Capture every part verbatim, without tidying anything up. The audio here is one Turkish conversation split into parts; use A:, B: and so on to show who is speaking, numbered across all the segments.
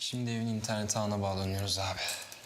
A: Şimdi evin internet ağına bağlanıyoruz abi.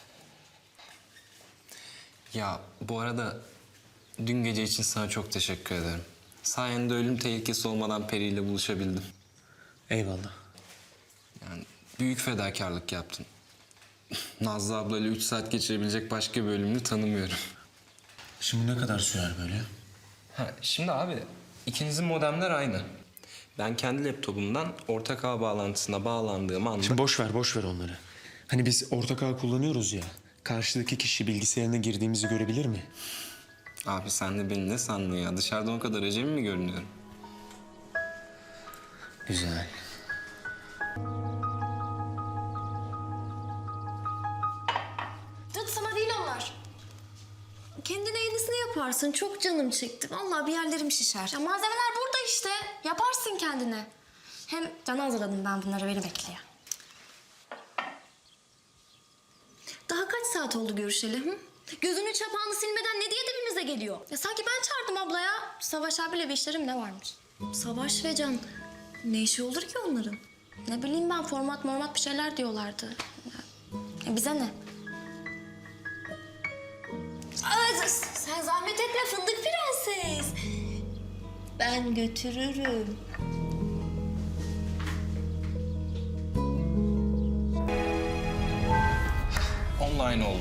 A: Ya bu arada dün gece için sana çok teşekkür ederim. Sayende ölüm tehlikesi olmadan Peri ile buluşabildim.
B: Eyvallah.
A: Yani büyük fedakarlık yaptın. Nazlı ablayla üç saat geçirebilecek başka bir ölümlü tanımıyorum.
B: Şimdi ne kadar sürer böyle?
A: Ha, şimdi abi ikinizin modemler aynı. Ben kendi laptopumdan ortak ağ bağlantısına bağlandığım anda...
B: Şimdi boş ver, boş ver onları. Hani biz ortak ağ kullanıyoruz ya. Karşıdaki kişi bilgisayarına girdiğimizi görebilir mi?
A: Abi sen de beni ne sandın ya? Dışarıdan o kadar acemi mi görünüyorum?
B: Güzel.
C: Dıt sana değil onlar. Kendine yenisini yaparsın. Çok canım çekti. Vallahi bir yerlerim şişer. Ya malzemeler burada işte. Yaparsın kendine. Hem can hazırladım ben bunları. Beni bekliyor. Daha kaç saat oldu görüşeli? Hı? Gözünün çapağını silmeden ne diye dibimize geliyor? Ya sanki ben çağırdım ablaya. Savaş abiyle bir işlerim ne varmış? Savaş ve Can. Ne işi olur ki onların? Ne bileyim ben format mormat bir şeyler diyorlardı. Ya, ya bize ne? Aa, sen zahmet etme fındık prenses. Ben götürürüm.
A: Online oldu.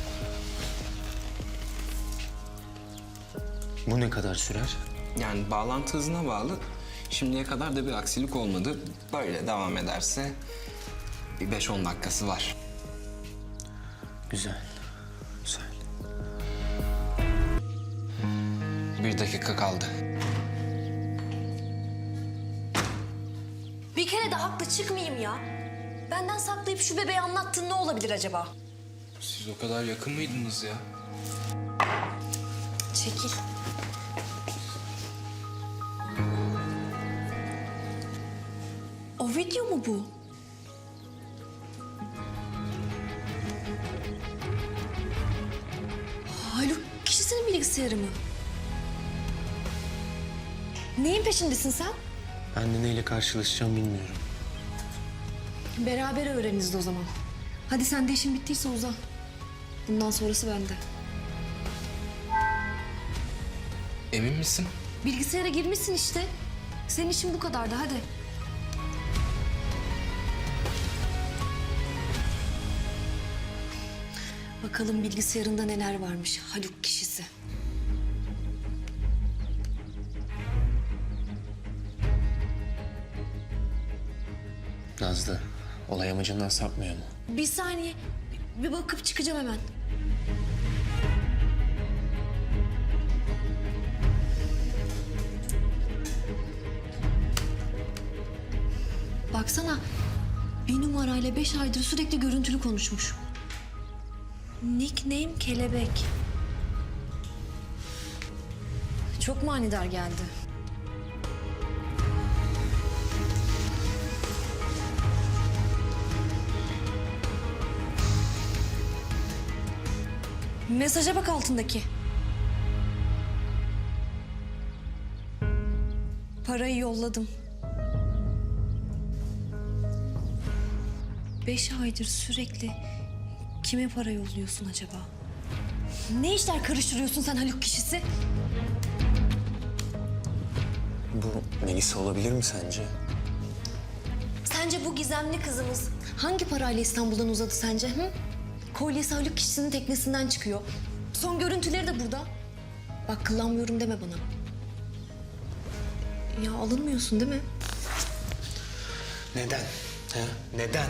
B: Bu ne kadar sürer?
A: Yani bağlantı hızına bağlı. Şimdiye kadar da bir aksilik olmadı. Böyle devam ederse bir beş on dakikası var.
B: Güzel. Güzel.
A: Bir dakika kaldı.
C: Bir kere de haklı çıkmayayım ya. Benden saklayıp şu bebeği anlattığın ne olabilir acaba?
A: Siz o kadar yakın mıydınız ya?
C: Çekil. O video mu bu? Haluk kişisinin bilgisayarı mı? Neyin peşindesin sen?
B: Ben de neyle karşılaşacağım bilmiyorum.
C: Beraber öğreniriz o zaman. Hadi sen de işin bittiyse uza. Bundan sonrası bende.
A: Emin misin?
C: Bilgisayara girmişsin işte. Senin işin bu kadardı hadi. Bakalım bilgisayarında neler varmış Haluk kişisi.
B: Nazlı, olay amacından sapmıyor mu?
C: Bir saniye. Bir bakıp çıkacağım hemen. Baksana. Bir numarayla beş aydır sürekli görüntülü konuşmuş. Nickname Kelebek. Çok manidar geldi. Mesaja bak altındaki. Parayı yolladım. Beş aydır sürekli kime para yolluyorsun acaba? Ne işler karıştırıyorsun sen Haluk kişisi?
B: Bu Melisa olabilir mi sence?
C: Sence bu gizemli kızımız hangi parayla İstanbul'dan uzadı sence? Hı? Kolyesi Haluk kişisinin teknesinden çıkıyor. Son görüntüleri de burada. Bak kıllanmıyorum deme bana. Ya alınmıyorsun değil mi?
B: Neden? He? Neden?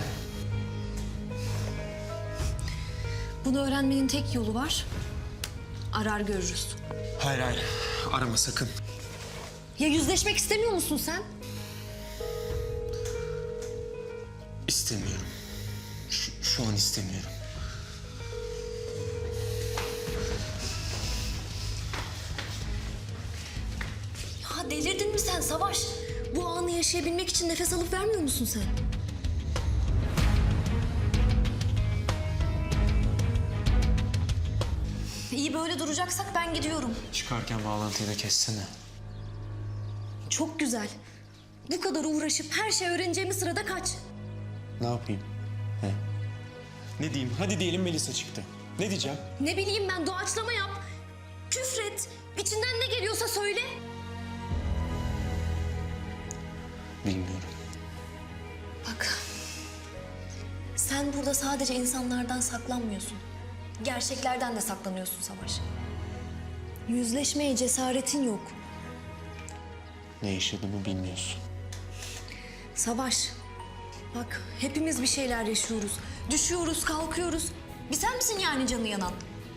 C: Bunu öğrenmenin tek yolu var. Arar görürüz.
B: Hayır hayır, arama sakın.
C: Ya yüzleşmek istemiyor musun sen?
B: İstemiyorum. Şu, şu an istemiyorum.
C: Ya delirdin mi sen Savaş? Bu anı yaşayabilmek için nefes alıp vermiyor musun sen? İyi böyle duracaksak ben gidiyorum.
B: Çıkarken bağlantıyı da kessene.
C: Çok güzel. Bu kadar uğraşıp her şey öğreneceğimiz sırada kaç.
B: Ne yapayım? He? Ne diyeyim? Hadi diyelim Melisa çıktı. Ne diyeceğim?
C: Ne bileyim ben, doğaçlama yap. Küfret. İçinden ne geliyorsa söyle.
B: Bilmiyorum.
C: Bak. Sen burada sadece insanlardan saklanmıyorsun. Gerçeklerden de saklanıyorsun Savaş. Yüzleşmeye cesaretin yok.
B: Ne yaşadığımı bilmiyorsun.
C: Savaş. Bak hepimiz bir şeyler yaşıyoruz. Düşüyoruz, kalkıyoruz. Bir sen misin yani canı yanan?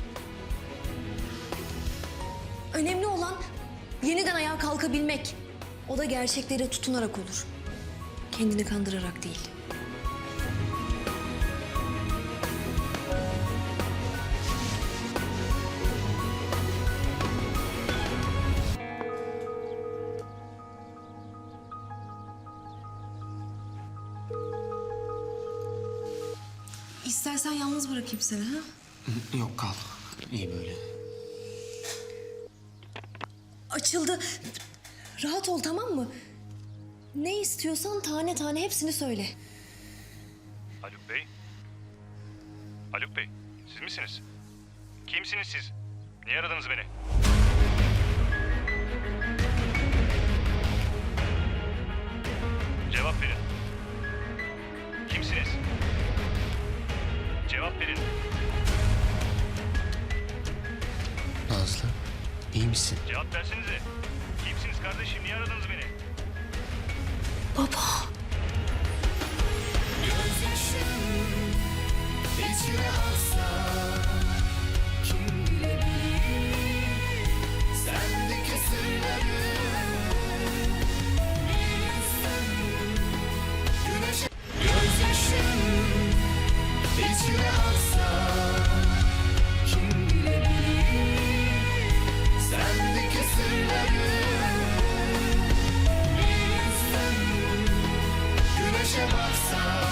C: Önemli olan yeniden ayağa kalkabilmek. O da gerçeklere tutunarak olur. Kendini kandırarak değil. İstersen yalnız bırakayım seni ha?
B: Yok kal. İyi böyle.
C: Açıldı. Rahat ol, tamam mı? Ne istiyorsan tane tane hepsini söyle.
D: Haluk Bey? Haluk Bey, siz misiniz? Kimsiniz siz? Niye aradınız beni? Cevap verin. Kimsiniz? Cevap verin.
B: Nazlı, iyi misin?
D: Cevap versenize. Kimsiniz kardeşim? Niye aradınız beni?
C: Baba.
E: İçine alsa kim bilebilir sendeki sırları bilsen güneşe gözyaşın içine alsa kim bilebilir sendeki sırları bilsen güneşe baksa